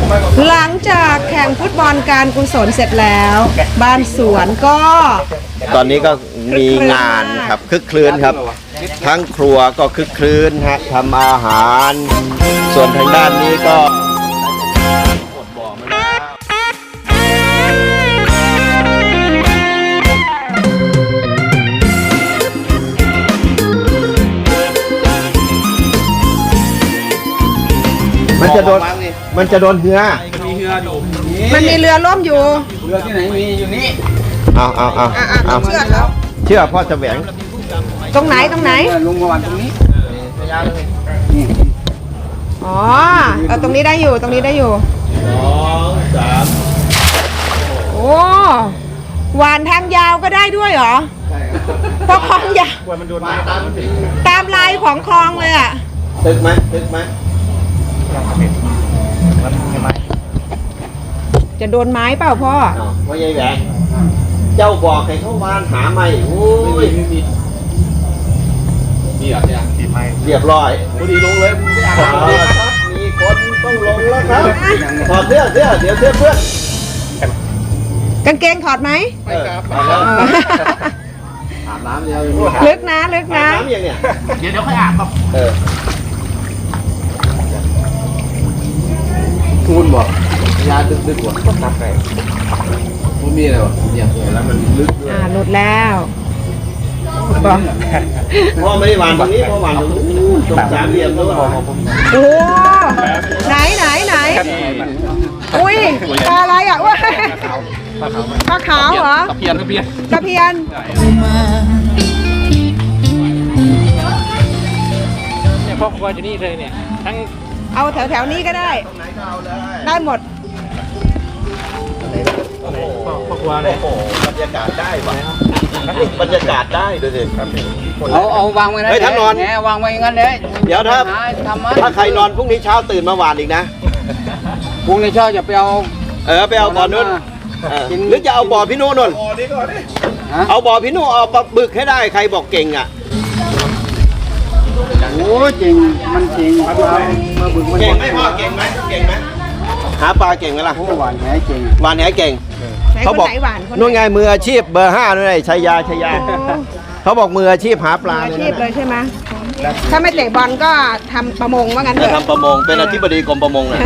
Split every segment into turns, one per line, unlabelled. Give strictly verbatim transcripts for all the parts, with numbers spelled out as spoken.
หลังจากแข่งฟุตบอลการกุศลเสร็จแล้ว บ้านสวนก็
ตอนนี้ก็มีงานครับคึกคลื้นครับ ทั้งครัวก็คึกคลื้นฮะทำอาหาร ส่วนทางด้านนี้ก็มันจะโดนมันจะโดนเหือมีเหืออยู่
มันมีเรือล่มอยู่
เรือที่ไหนมีอยู่นี่
เอาเอาเอา
อ่ะอ่ะ
เอา
เชื่อเขา
เชื่อพ่อจะแหวง
ตรงไหนตรงไหน
ลุงประวันตรงนี้
อ๋อเออตรงนี้ได้อยู่ตรงนี้ได้อยู่
สองสาม
โอ้หวานทางยาวก็ได้ด้วยเหรอเพราะคลองยาวตามลายของคลองเลยอ่ะ
ตึกไหมตึกไหม
จะโดนไม้เปล่าพ่อ
พ่อใหญ่แหวงเจ้าบอกให้เขาวานหาไม่โอ้ย
มีเหรอเนี่ยทีไม้
เรียบร้อย
พอดีลงเลย
มีคนต้องลงแล้วครับถอดเสื้อเสื้อเดี๋ยวเสื้อเพื่อน
กางเกงถอดไหม
ไม่ครับถอดแล้ว
อ๋อ
อาบน้ำเดียว
ลึกนะลึกนะ
น้ำยังเนี่ย
เดี๋ยวเดี๋ยวค่อยอาบครับ
เออ
ทูนบอกยาดึกดึกว่ะตัดไปมันมีอะไรวะเนี่ยแล้วมันลึก
อ่าหลุดแล้วบอก
พ่อไม่ได้วานตรงนี้พ่อวานตรงนู้นตรงสามเหลี่ยมนู้น
โอ้ไหนไหนไหนอุ้ยปลาอะไรอ่ะว้าปลาขาวเหรอ
ตะเพียนตะเพียน
ตะเพียน
เนี่ยพ่อครัวอยู่นี่เลยเนี่ยทั้ง
เอาแถวแถวนี้ก็ได้ ได้หมด
พ่อพ่อครัวเลย
โอ้โหบรรยากาศได้ว่ะบรรยากาศได้ดูสิ
เอาเอาวางไว้นะ
เฮ้ยท่านนอน
แหวางไว้อย่างนั้นเลย
เดี๋ยวถ้า
ทำมัน
ถ้าใครนอนพรุ่งนี้เช้าตื่นมาหวานอีกนะ
พรุ่งนี้เช้าจะไปเอา
เออไปเอาบ่อนู้นเออหรือจะเอาบ่อพี่นู่นนน
ฮะ
เอาบ่อพี่นู่นเอาปลาบึกให้ได้ใครบอกเก่งอ่ะ
โอ้จริงมันจริงมาบึกมัน
เก่งไหมพ่อเก่งไหมเก่งไหมหาปลาเก่งไหมล่ะ
โอ้หวานแหจริง
หวานแหเก่ง
ไหน
เขา
คน
บอก
ไหนหวานคนไห
นู่นไงมืออาชีพเบอร์ห้านู่นไงชัยยาชัยยา
โอ้
เขาบอกมืออาชีพหาปลา
อา
เลย
ชีพเล
นะ
ยใช่ไหมถ้าไม่เตะบอลก็ทำประมงว่างั้นเถ
จะ
อะ
ทำประมงเป็นอธิบดีกรมประมงนะ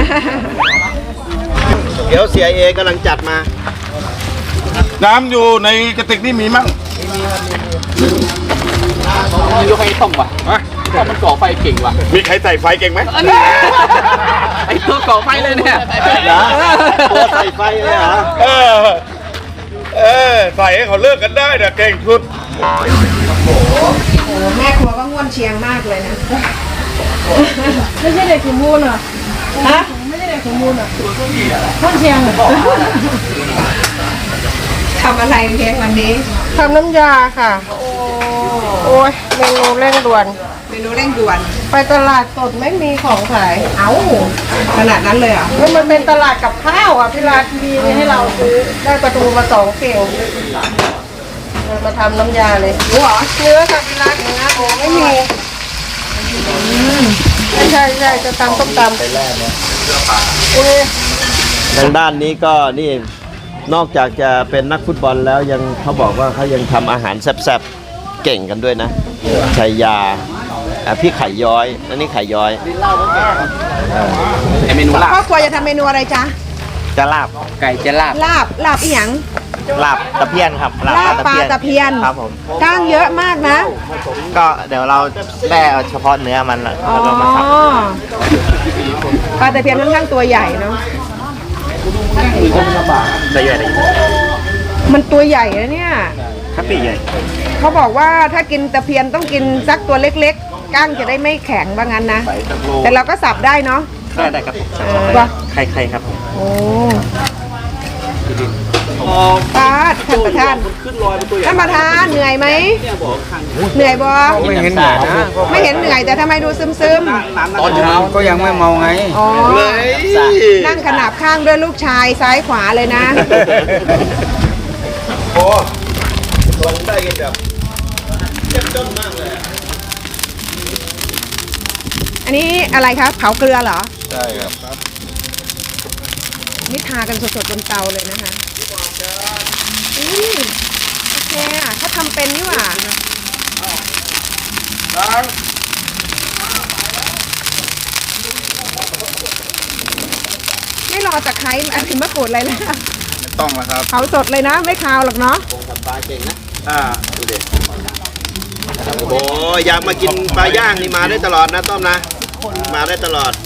เดี๋ยวเสียเอกำลังจัดมา
น้ำอยู่ในกระติกนี่มีมั้ง
ยกให้ต้มว่ะต้มมันก่อไฟเก่งว่ะ
มีใครใส่ไฟเก่งไหม
ไอ้ตัวก่อไฟเลยเนี่ย
นะตัวใส่ไฟเลยเหรอ
เออ เออ ใส่ให้เขาเลิกกันได้เนี่ยเก่งสุด
โอ้แม่ครัวก็ง่วนเชียงมากเลยนะ ไม่ใช่เด็กสมบูรณ์เหรอฮะไม่ใช่เด็กสมบูรณ์เหรอง่วนเชียงทำอะไรเพียงวันนี้
ทำน้ำยาค่ะ โอ้ยเมนูเร่งด่วน
เมนูเร่งด่วน
ไปตลาดสดไม่มีของขาย
เอ้าขนาดนั้นเลยเหรอ
แล้วมันเป็นตลาดกับข้าวอ่ะพี่ราชมีให้เราซื้อได้ปลาทูมาสองเข่งเรามาทำน้ำยาเลย
รู้เหรอ
เนื้อค่ะพี่ราชเนื้อโอ้ไม่มีใช่ใช่จะตำต้มตำโอ้ย
ทางด้านนี้ก็นี่นอกจากจะเป็นนักฟุตบอลแล้วยังเขาบอกว่าเขายังทำอาหารแซ่บๆเก่งกันด้วยนะชัยยาอ่ะพี่ไข่ย้อยอันนี้ไข่ย้อย
ไอเมนูลา
ครอบบ ครัวจะทำเมนูอะไรจ๊ะ
จะลาบ
ไก่จะลาบ
ลาบ ลาบอีหยัง
ลาบตะเพียนครับ
ลาบปลาตะเพียน
ครับผม
ก้างเยอะมากนะ
ก็เดี๋ยวเราแล่เอาเฉพาะเนื้อมันแล้ว
อ๋อ
ก็มาสับ
ปลาตะเพียนค่อนข้างตัวใหญ่เนาะ
ได้เยอะเลย
มันตัวใหญ่นะเนี่ย
ครับพี่ใหญ่
เขาบอกว่าถ้ากินตะเพียนต้องกินสักตัวเล็กๆ ก้างจะได้ไม่แข็งว่างั้นนะ แต่เราก็สับได้เนาะ
ได้ได้ครับผม
เออว่ะ
ใครใครครับผม
โอ้ปาดท่านประธานท่านประธานเหนื่อยไหมเหนื่อยบอ
ไม่เห็นเหนื่อยนะ
ไม่เห็นเหนื่อยแต่ทำไมดูซึมซึม
ตอนเช้าก็ยังไม่เมาไง
ๆอ๋อนั่งขนาบข้างด้วยลูกชายซ้ายขวาเลยนะ
โอ้ลงได้กันแบบเจ็บจนมากเลย
อันนี้อะไรครับเผาเกลือเหรอ
ใช่ครับ
นี่ทากันสดๆบนเตาเลยนะคะอืมโอเคอ่ะเขาทำเป็นนี่หว่าไม่รอตะไคร้อันนี้มะกรูดอะไรนะ
ต้องแล้วครับ
เผาสดเลยนะ ไม่คาวหรอกเนาะ
ทำปลาเก่งนะอ่าดูดิโอ้โหอยากมากินปลาย่างนี่มาได้ตลอดนะต้อมนะมาได้ตลอด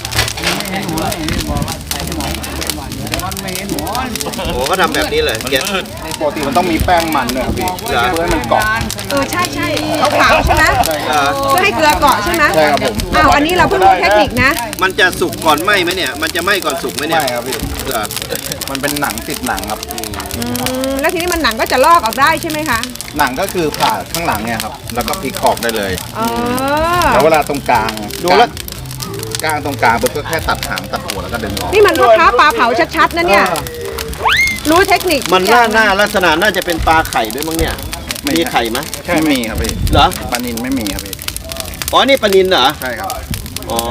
โอ้ก็ทำแบบนี้เลยเก็บ
ปกติมันต้องมีแป้งมันเนี่ยครับพี่
เหรอ
เพื่อให้มันเกาะ
เออใช่ใช่เอาเผาใช่ไหม
เหรอ
เพื่อให้เกลือเกาะใช่ไหม
ใช่ครับผม
อ้าวอันนี้เราเพิ่งรู้เทคนิคนะ
มันจะสุกก่อนไหมไหมเนี่ย มันจะไหมก่อนสุกไหมเนี่ย
ไม่ครับพี่
เหรอ
มันเป็นหนังติดหนังครับ
อืมแล้วทีนี้มันหนังก็จะลอกออกได้ใช่ไหมคะ
หนังก็คือผ่าข้างหลังเนี่ยครับ แล้วก็พลิกออกได้เลย
อ๋อ
แล้วเวลาตรงกลางดูแล้วกลางตรงกลางปุ๊บก็แค่ตัดหางตัดหัวแล้วก็ดึงออก
นี่มันพ่อค้าปลาเผาชัดๆนะเนี่ย รู้เทคนิค
มันหน้าหน้าลักษณะน่าจะเป็นปลาไข่ด้วยมั้งเนี่ย มีไข่ไหม
ไม่มีครับพี่
เหรอ
ปลานินไม่มีครับพี่
อ๋อ นี่ปลานินเหรอ
ใช่ครับ
อ๋อ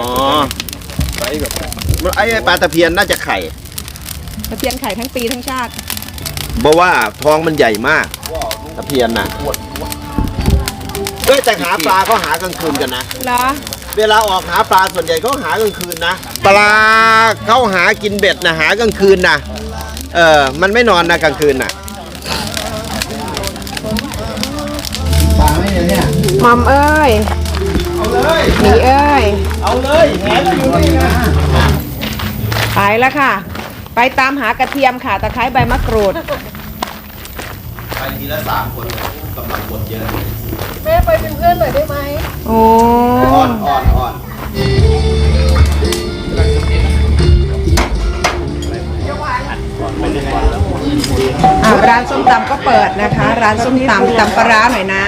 มันไอ้ปลาตะเพียนน่าจะไข่
ตะเพียนไข่ทั้งปีทั้งชาติ
เพราะว่าท้องมันใหญ่มาก ตะเพียนน่ะเอ้ยแต่หาปลาเขาหากลางคืนกันนะ
เหรอ
เวลาออกหาปลาส่วนใหญ่เขาหากลางคืนนะ ปลาเขาหากินเบ็ดนะหากลางคืนนะเออ มันไม่นอนนะกลางคืนน่ะ
หมอมเอ้ยหมีเอ้ย
เอาเลยแหนอยู่นี่นะ
ไปแล้วค่ะ ไปตามหากระเทียมค่ะ ตะไคร้ใบมะกรูด
ไปทีละสามคนกำลังกดเยอะ
แม่ไปเป็นเพื่อนหน่อยได้ไหม
โอ้
อ่อนอ่อนอ่อน
อ่าร้านส้มตำก็เปิดนะคะ ร้านส้มตำตำปลาร้าหน่อยนะ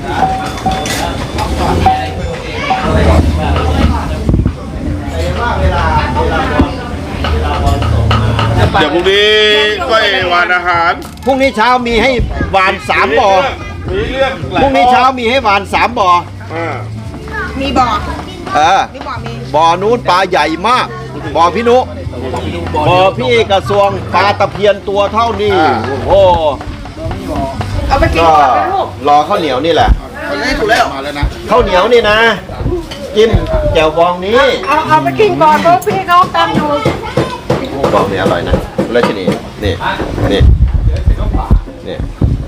เดี๋ยวพรุ่งนี้ก็ไอ้วานอาหาร
พรุ่งนี้เช้ามีให้หวานสามบ่อ
มีเรื่อง
พรุ่งนี้เช้ามีให้หวานสามบ่อ
อ่า
มีบ่อ
เออ
มีบ่อมี
บ่อนู้นปลาใหญ่มาก บ่อพี่นุ บ่อพี่กระทรวงปลาตะเพียนตัวเท่านี้ โอ้โห
เอาไปกิน
ก็
ก่อนนะลูก
รอข้าวเหนียวนี่แหละ
ถูกแล้วมาแล้วนะ
ข้าวเหนียวนี่นะ จิ้มแจ่วบองนี้
เอาเอาไปกินก่อนเพราะพี่เขาตำอยู่
บองนี่อร่อยนะราชินีนี่นี่นี่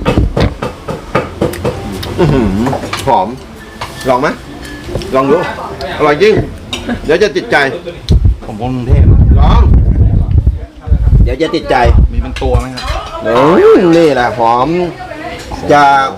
อื้อหือหอม ลองไหมลองดู อร่อยจริง เดี๋ยวจะติดใจ
ผมกรุงเทพ
ลอง เดี๋ยวจะติดใจ
มีเป็นตัวไหมครับ
อืมนี่แหละหอม จะ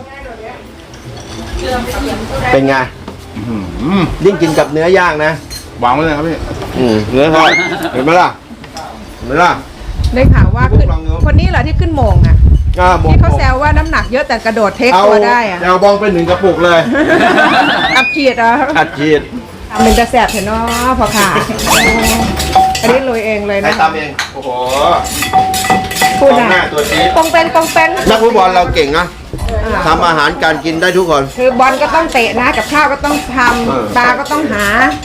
เป็นไง
อืม
ยิ่งกินกับเนื้อย่างนะ
วางไว้เลยครับพี่
อืมเนื้อทอดเห็นไหมล่ะ เห็นไหมล่ะ
ได้ข่าวว่าขึ้น
ลองดู
คนนี้เหรอที่ขึ้นโมงอ่ะ
อ่าบ
ที่เขาแซวว่าน้ำหนักเยอะแต่กระโดดเทค
เอา
ตัวได้อ่ะ
เอาบองไปหนึ่งกระปุกเลย
อับฉีดเหรอ
อัดฉีด
ทำเป็นกระแสบเถอะเนาะพอค่ะอันนี้ลุยเองเลย
ใคร
นะ
ทำเอง โอ้โห
พูด
กองหน้า
อ่ะ
ตัวนี้
ปองเป็นปองเป็น
นักฟุตบอลเราเก่งนะ
อ่า
ทำอาหารการกินได้ทุกคน
คือบอลก็ต้องเตะนะ กับข้าวก็ต้องท
เออ
ำปลาก็ต้องหา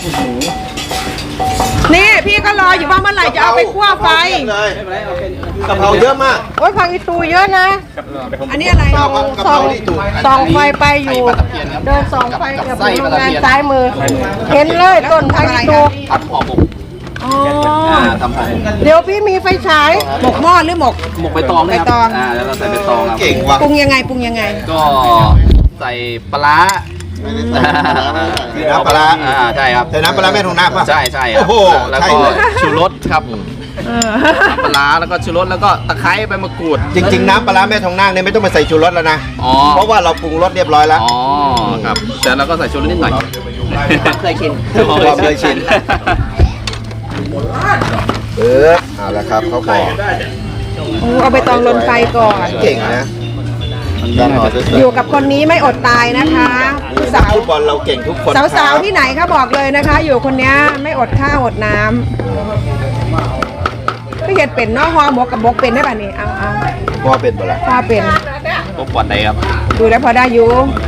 นี่พี่ก็รออยู่ว่าเมื่อไหร่จะเอาไปคั่วไฟ
เลยกะเพราเยอะมาก
โอ้ยพังอีตูเยอะนะ
อันนี้อะไร
ชอบกะเพราที่ถูก
ส่องไฟไปอยู่ เดินส่องไฟกับโรงงานซ้ายมือ เห็นเลยต้นพังอีตู
ผัดห่อหมก
อ๋อ
ทำผัด
เดี๋ยวพี่มีไฟฉาย
หมกหม้อหรือหมก
หมกใบตอง
ใบ
นะค
ต
รั
อง
อ่าแล้วเราใส่ใบตองครับ
เก่งว่ะ
ปรุงยังไงปรุงยังไง
ก็ใส่ปลาร้า
ใส่น้ำปลาร้า
อ่าใช่ครับ
ใส่น้ำปลาร้าแม่ทองนาคป่ะ
ใช่ใช่ครั
โอ้โห
แล้ว
ใช่
ก็
เลย
ชูรสครับน้ำปลาร้าแล้วก็ชูรสแล้วก็ตะไคร้ใบมะกรูด
จริง ๆ น้ำปลาร้าแม่ทองนาคเนี่ยไม่ต้องมาใส่ชูรสแล้วนะ
อ๋อ
เพราะว่าเราปรุงรสเรียบร้อยแล้ว
อ๋อครับแต่เราก็ใส่ชูรสนิดหน่อยเคยชิน
ความเคยชิน เออเอาละครับเขาบอก
โอ้เอาไปตองลนไฟก่อน
เก่งนะการห่อสวยๆ
อยู่กับคนนี้ไม่อดตายนะคะสาว
ฟุตบอลเราเก่งทุกคน
สาวๆที่ไหนคะบอกเลยนะคะ อยู่คนเนี้ยไม่อดข้าวอดน้ำก็เห็ดเป็นเนอกฮอหมกกับบกเป็นได้ป่ะนี่เอาเอา
พ่อเป็นเปล่า
พอเป็น
พวกปอดใดครับ
ดูแล้วพอได้อยู่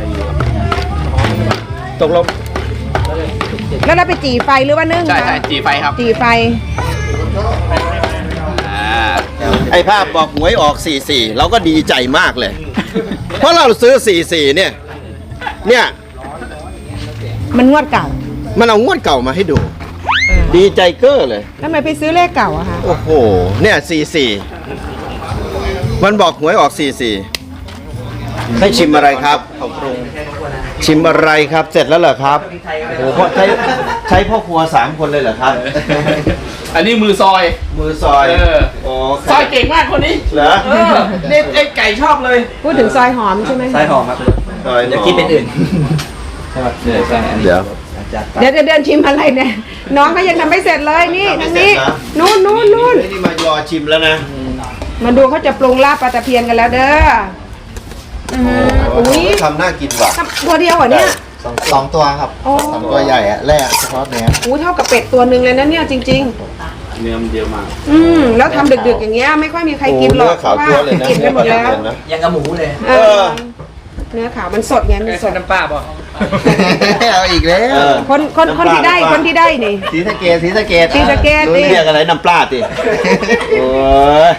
ตกลง
แล้วเราไปจีไฟหรือว่านึ่ง
ใช่
คะ
ใช่จีไฟครับ
จีไฟ
อ่า
ไอ้ภาพบอกหวยออกสี่สี่เราก็ดีใจมากเลย เพราะเราซื้อสี่สี่เนี่ย เนี่ย
มันงวดเก่า
มันเอางวดเก่ามาให้ดู ดีใจเก้อเลย
แล้วทำไมไปซื้อเลขเก่าอะคะ
โอ้โห เนี่ยสี่สี่มันบอกหวยออกสี่สี่ให้ชิมอะไรครับชิมอะไรครับ เสร็จแล้วเหรอครับโอ้โหใช้ใช้พ่อครัวสามคนเลยเหรอครับ
อันนี้มือซอย
มือซอย
เออ
โอ้
ซอยเก่งมากคนนี้
เหรอ
เออเนี่ยไอ้ไก่ชอบเลย
พูดถึงซอยหอมใช่ไหม
ซอยหอมครับ
ซอย
จะคิดเป็นอื่นใช่ไหมเดี๋ยวใช่อันนี้
เดี๋ยว
เดี๋ยวจะเดินชิมอะไรเนี่ยน้องก็ยังทำไม่เสร็จเลยนี่ทางนี้นู่นนู่นนู่น
ไอ้นี่มารอชิมแล้วนะ
มาดูเขาจะปรุงลาบปลาตะเพียนกันแล้วเด้ออืมอุ้ย
ทำน่ากินว่ะ
ทำตัวเดียวเหรอเนี่ย
สองสองตัวครับ
โอ้
สองตัวใหญ่อะแร่เฉพาะเนื้อ
อู้เท่ากับเป็ดตัวหนึ่งเลยนะเนี่ยจริง
เนื้อมันเยอะมาก
ๆ อืมแล้วทำดึกๆอย่างเงี้ยไม่ค่อยมีใครกินหรอกเพ
ขาว
ราะ
จั๊ว
ว่า
เลยนะ
กินกันหมดแล้ว
นะ
ยังกับหมูเลย
เออเนื้อขาวมันสดไงมันสด
น้ำปลาป่ะ
เอาอีกแล้ว
เออ
คนคนคนที่ได้คนที่ได้นี่
สีสะเกดสีสะเกด
ศรีสะเกษ
รู้เรียกอะไรน้ำปลาติโอ้ย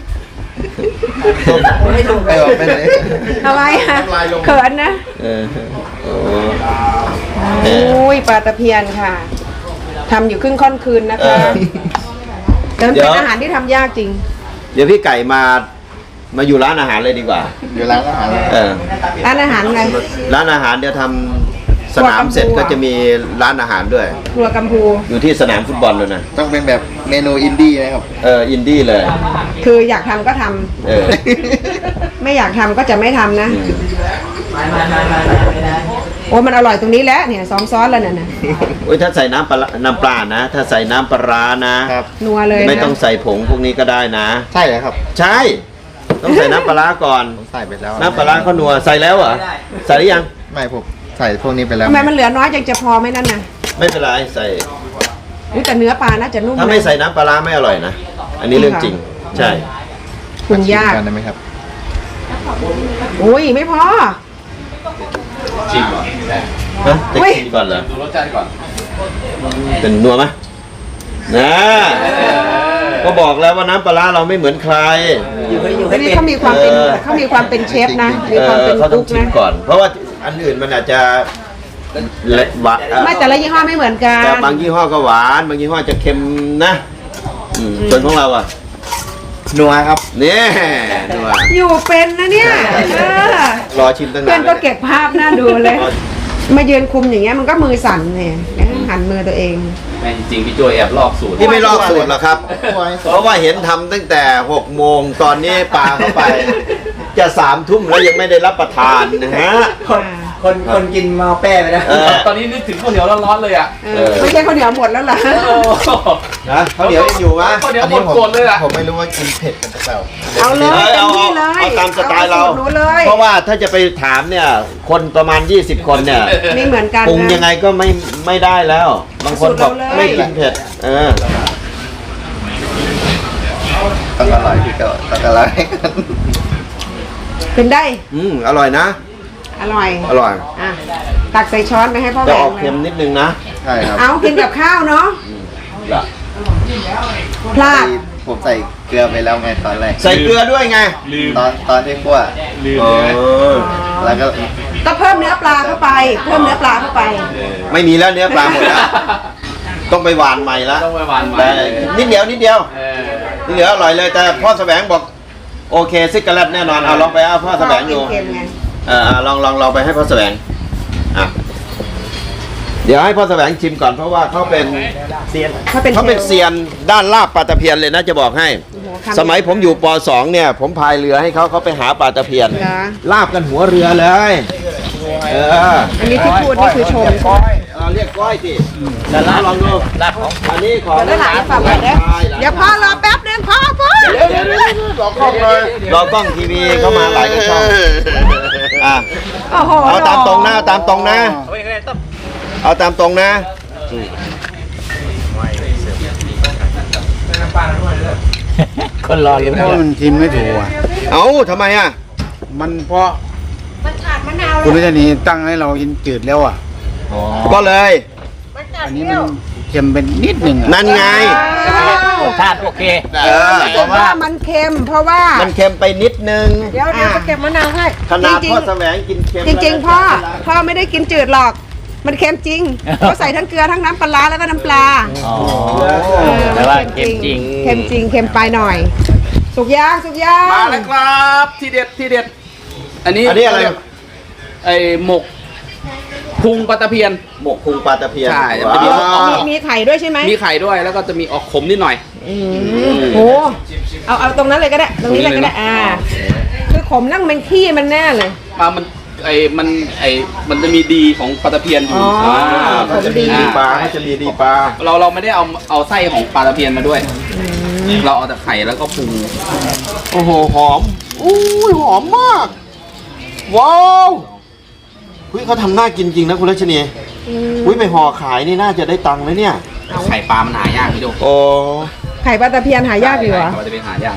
ไม่ถูกไปบอกไปเลย
ทำไมอะเขินนะ
เออโอ้
โอ้ยปลาตะเพียนค่ะทำอยู่ครึ่งค่อนคืนนะคะแต่มันเป็นอาหารที่ทำยากจริง
เดี๋ยวพี่ไก่มามาอยู่ร้านอาหารเลยดีกว่า
อยู่ร้านอาหารเลย
เออ
ร้านอาหารไง
ร้านอาหารเดี๋ยวทำสนามเสร็จก็จะมีร้านอาหารด้วย
ครัวกัมพู
อยู่ที่สนามฟุตบอลเลยนะ
ต้องเป็นแบบเมนูอินดี้นะครับ
เอออินดี้เลย
คืออยากทำก็ทำ
เออ
ไม่อยากทำก็จะไม่ทำนะโอ้มันอร่อยตรงนี้แหล้วเนี่ยซ้อมซ้อนแล้วเนี่ยนะ
โอ้ยถ้าใส่น้ำปลาร้าน้ำปลานะ ถ้าใส่น้ำปลาร้านะ
ครับ
นัวเลยนะ
ไม่ต้องใส่ผงพวกนี้ก็ได้นะ
ใช่เหรอครับ
ใช่ ต้องใส่น้ำปลาร้าก่อน
ผมใส่ไปแล้ว
น้ำปลาร้าเขานัวใส่แล้วเหรอ ใส่หรือยัง
ไม่ผมใส่พวกนี้ไปแล้ว
ทำไมมันเหลือน้อยจังจะพอไหมนั่นน่ะ
ไม่เป็นไรใส่
อุ๊ยแต่เนื้อปลาน่าจะนุ่ม
ถ้าไม่ใส่น้ำปลาร้าไม่อร่อยนะ อันนี้เรื่องจริง ใช่
ปรุงยาก
กันได้ไหมครับ
อุ้ยไม่พอ
ชิมก่อน
ฮะจะ
เฮ้ย
กินก่อนเหรอ
ดูรสชาติก่อน
เป็นนัวไหมนะก็บอกแล้วว่าน้ำปลาร้าเราไม่เหมือนใคร
อันนี้เขามีความเป็น
เออ
เขามีความเป็นเชฟนะมี
เอ
ความ
อ
เป็น
เขาต้อ
กุ๊
ง
ก
ชิม
นะ
ก่อน เพราะว่าอันอื่นมันอาจจะเละหวาน
ไม่แต่ละยี่ห้อไม่เหมือนกัน
แต่บางยี่ห้อก็หวาน บางยี่ห้อจะเค็มนะอืมส่วนของเราอ่ะ
นัวครับ
เนี่ยนัว
อยู่เป็นนะเนี่ยเออ
รอชิมตั้ง
เพื่
นา
อน
น
ก็เก็บภาพหน้าดูเลย มายืนคุมอย่างเงี้ยมันก็มือสั่นเนี่ยหันมือตัวเอง
แม่งจริงพี่โจแอบลอกสูตร
ที่ไม่ลอกสูตรหรอกครับ เพราะว่าเห็นทำตั้งแต่หกโมงตอนนี้ปลาเข้าไป จะสามทุ่มแล้วยังไม่ได้รับประทานนะฮะ
คนคนกินมาแป้ไปแล้ว
เออ
ตอนนี้นึกถึงข้าวเหนียวร้อนๆเลยอ่ะ
เออไม่ใช่ข้าวเหนียวหมดแล้วเหรอ
โอ้
นะเขาวเหนียวยังอยู่ไหม
ข้าวเหนียว
อัน
หม
นี้
ด
ผม
โกรธเลยอ่ะ
ผมไม่รู้ว่ากินเผ็ดกันหรือเปล่า
เอาเลย
เอ้ย
เต็ม
เอา
ที่เลย
เอาตามสไตล์เรา
อสูหนูเลย
เพราะว่าถ้าจะไปถามเนี่ย คนประมาณยี่สิบคนเนี่ย
ไม่เหมือนกัน
ปรุง
นะ
ยังไงก็ไม่ไม่ได้แล้ว บางคนบอก
สูตรเราเลย
ไม่กินเผ็ด เออ
ต้องอร่อยที่ก็ต้องอร่อย
เป็นได้
อืมอร่อยนะ
อร่อย
อร่อย
อ่ะตักใส่ช้อนไปให้พ่อแหว
จะ
ง
ออก
เล
เค็
ย
มนิดนึงนะ
ใช่ครับ
เอากินกับข้าวเนาะ
ล่ะ
พลาด
ผมใส่เกลือไปแล้วไงตอนแรก
ใส่เกลือด้วยไง
ตอนตอนที่คั่ว
เออ
แล้วก็
ก็เพิ่มเนื้อปลาเข้าไป เพิ่มเนื้อปลาเข้าไป
ไม่มีแล้วเนื้อปลาหมดแล้ว ต้องไปหวานใหม่ละ
ต้องไปหวานใหม่
แต่นิดเดียวนิดเดียว
เออ
นิดเดียวอร่อยเลย แต่พ่อแสวงบอก โอเคซิกกะแลตแน่นอน เอาลองไปเอาพ่อแสวงดู
เค็มๆไง
เออเอาลองลองลองไปให้พ่อแสวงอ่ะเดี๋ยวให้พ่อแสวงชิมก่อนเพราะว่าเขาเป็น
เขาเป็น
เขาเป็น
ชฟ
เซียนด้านลาบปลาตะเพียนเลยนะจะบอกให้
โอ้โหคำ
สมัยผมอยู่ป สองเนี่ย ผมพายเรือให้เขาเขาไปหาปลาตะเพียน
เหรอ
ลาบกันหัวเรือเลยเออ
อันนี้ที่พูดนี่คือชม
เราเรียกก้อยสิแต่ลาบลองดูลาบของอันนี้ของ
เดี๋ยวหลานฝากไว้เด้อเดี๋ยวพ่อรอแป๊บนึงพ่อพ่อ
เดี๋ยวเดี๋ยวเดี๋ยวรอกล้องเลยรอกล้องทีวีเข้ามาหลายกระช่องอ่ะ
โอ้โห
เอาตามตรงนะเอาตามตรงนะ เอาตามตรงนะ
คนรออยู่
เพราะมันชิมไม่ถูกอ่ะ
เอาทำไมอ่ะ
มันเพราะ
มันขาดมะนาว
คุณรัชนีตั้งให้เรากินจืดแล้วอ่ะ
ก็เลย
มันขาด
อัน
เป
นี้
รี้
มั
ย
น
ว
เค็มเป็นนิดหนึ่งอะ
นั่นไง
รสชาติโอเค
เออ
เพราะว่ามันเค็ม เพราะว่า
มันเค็มไปนิดนึง
เดี๋ยวเดี๋ยวจะเก็บมะนาวให้
ขนาด
จริง
พ่อแสวงกินเค็ม
ๆจริง ๆ พ่อ พ่อไม่ได้กินจืดหรอก มันเค็มจริงเขาใส่ทั้งเกลือทั้งน้ำปลาร้าแล้วก็น้ำปลา
อ๋อ
เออ
แต่ว่าเค็มจริง
เค็มจริง เค็มไปหน่อย สุกย่างสุกย่าง
มาแล้วครับ ที่เด็ดที่เด็ด อันนี้
อันนี้อะไร
ไอหมกพุงปลาตะเพียน
หมกพุงปลาตะเพียน
ใช่
ว้า
จะมี
มี
ว
มีไข่ด้วยใช่ไหม
มีไข่ด้วยแล้วก็จะมีออกขมนิดหน่อย
โอ้เอาเอาตรงนั้นเลยก็ได้ ตรงนี้เลยก็ได้ อ่า คือขมนั่งมันขี้มันแน่เลย
มามันไอมันไอมันจะมีดีของปลาตะเพียนอยู่
อ๋ออ่
า
เขาจะมีดีปลาเขาจะมีดีปลา
เราเราไม่ได้เอาเอาไส้ของปลาตะเพียนมาด้วย เราเอาแต่ไข่แล้วก็ปรุง
โอ้โหหอมอุ้ยหอมมาก ว้าวเฮ้ยเขาทำน่ากินจริงนะคุณรัชนีอุ้ยไปห่อขายนี่น่าจะได้ตังค์เลยเนี่ย
ไข่ปลามันหายากพี่โจ
โอ้
ไข่ปลาตะเพียนหายากอยู่เหรอ
ไข่ปลาตะเพียนหายาก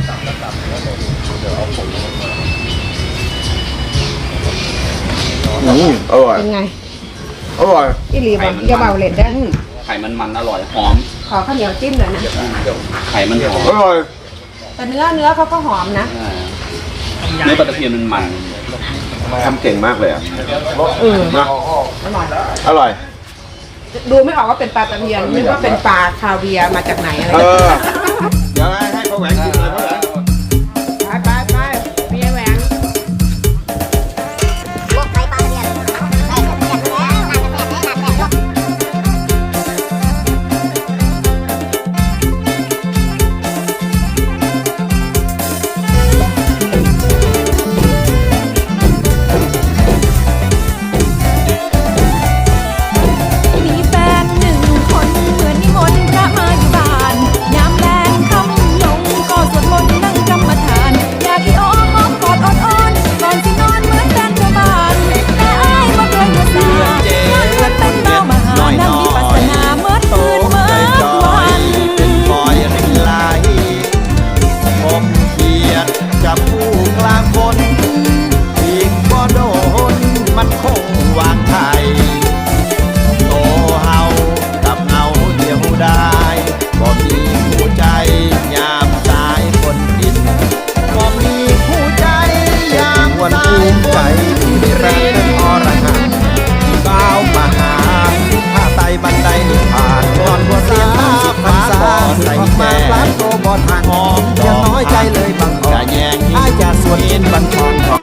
อืมอร่อย
เป็นไง
อร่อย
อีหลีบอกอย่าเบาเล็ดได้
ไข่มันมันอร่อยหอม
ขอข้าวเหนียวจิ้มหน่อยนะ
ไข่มันหอม
อร่อย
แต่เนื้อเนื้อเขาก็หอมนะ
อ่าเนื้อปลาตะเพียนมันมัน
ทำเก่งมากเลยอ่ะ
เออ
นะ
อร่อย
อร่อย
ดูไม่ออกว่าเป็นปลาตะเพียนนึกว่าเป็นปลาคาเวียร์มาจากไหนอะไร
เออ